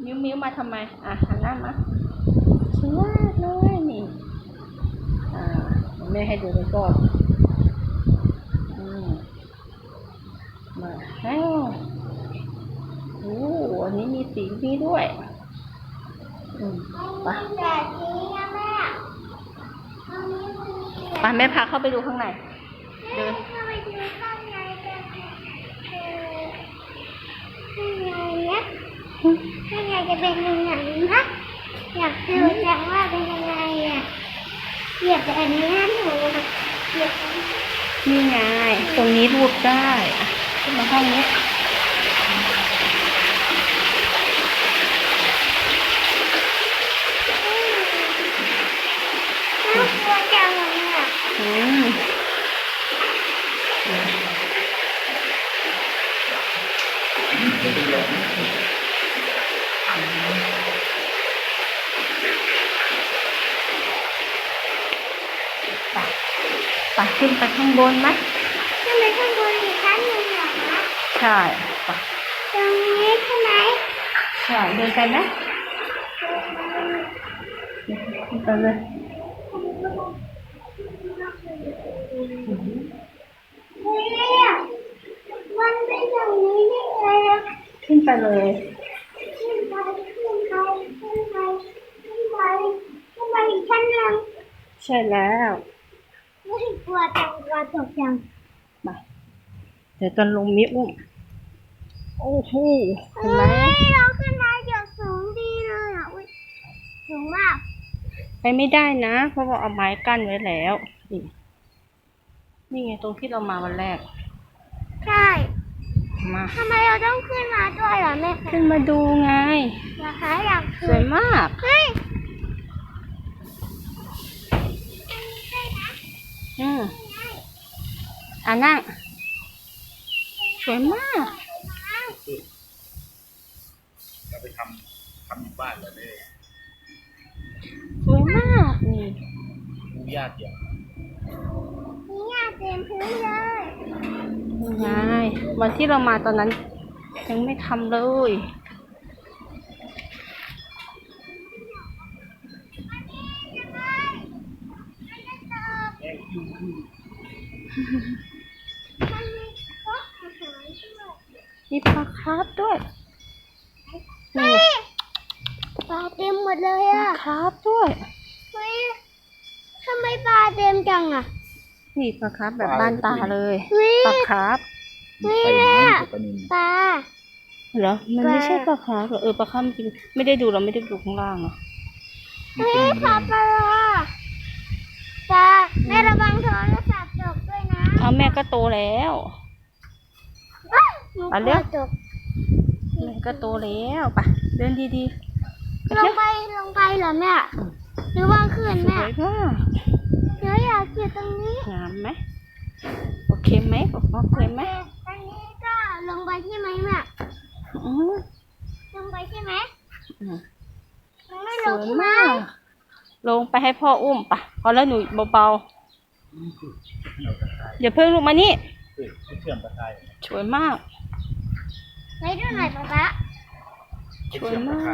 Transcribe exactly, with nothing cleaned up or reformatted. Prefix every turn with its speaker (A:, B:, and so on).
A: มิ้วมิ้วมาทำไมอ่ะหันหน้ามาสวยมากเลยนี่อ่าแม่ให้ดูแล้วก็อืมมาแล้วโอ้อันนี้มีสีนี้ด้วยอืมไปไปแม่พาเข้าไปดูข้างในเดิน
B: เข้าไปดูข้างในกันข้างในเนี้ยข้างในจะเป็นยังไงนะอยากดูจังว่าเป็นยังไงอ่ะเหยียบแต่อันนี้หนูเหยียบ
A: นี่ไงตรงนี้รูปได้อ่ะขึ้นมาห้องนี้
B: น่ากลัวจังเลยอ่ะ
A: อืมไปไปขึ้นไปข้างบนไหม
B: ขึ้นไปข้างบนอีกชั้นหนึ่งเหรอคะ
A: ใช่ไป
B: ตรงนี้ใช่ไหม
A: ใช่เดินไปไหมขึ้นไปเลย
B: เฮ้ยมันเป็นอย่างนี้ได้ไงอ่ะ
A: ขึ้นไปเลย
B: ขึ้นไปขึ้นไปขึ้นไปขึ้นไปขึ้นไปอีกชั้นหนึ่ง
A: ใช่แล้ว
B: ไม่กลัวจังกลัวตกจัง
A: ไปเดี๋ยวตอนลงมิอุ้มโอ้โหเห็นไหม
B: เราขึ้นมาจากสูงดีเลยอ่ะอุ้ยสูงมาก
A: ไปไม่ได้นะเพราะว่าเอาไม้กั้นไว้แล้วนี่นี่ไงตรงที่เรามาวันแรก
B: ใช่
A: มา
B: ทำไมเราต้องขึ้นมาด้วยล่ะแม่
A: ขึ้นมาดูไง
B: นะคะอยาก
A: สวยมาก
B: เฮ้ย
A: อืมอ่ะนั่งสวยมาก
C: เราไปทำทำอยู่บ้านเลยเนี่ย
A: สวยมากนี่
C: ดูยากอย่าง
B: นี่ยากเต็มพื้นเลย
A: ยังไงวันที่เรามาตอนนั้นยังไม่ทำเลยมีปลาคาร์ฟด้วย
B: นี่ปลาเต็มหมดเลยอ่ะ
A: คาร์ฟด้วย
B: เฮ้ยทำไมปลาเต็มจังอ่ะ
A: นี่ปลาคาร์ฟแบบบ้านตาเลยปลาคาร์ฟ
B: นี่แหละปลา
A: เหรอมันไม่ใช่ปลาคาร์ฟเหรอเออปลาคาร์ฟจริงไม่ได้ดูเราไม่ได้ดูข้างล่างอ่ะ
B: เฮ้ยปลาปลาปลาแม่ระวังโทรศัพท์ตกด้วยนะ
A: เอาแม่ก็โตแล้ว
B: ไปเร็ว
A: แม่ก็โตแล้วไปเดินดี
B: ๆลงไปลงไปเหรอแม่หรือว่าขึ้นแม่
A: สวยมาก
B: เดี๋ยวอยากอยู่ตรงนี้
A: งามไหมโอเคไหมโอเคไหม
B: ตรงนี้ก็ลงไปใช่ไหมแม่ลงไปใช่ไหมไม่ลงใช่ไหม
A: ลงไปให้พ่ออุ้มปะพอแล้วหนูเบาๆอย่าเพิ่งลงมานี่สวยมาก
B: ไปดูหน่อยป๊าป๊า
A: สวยมาก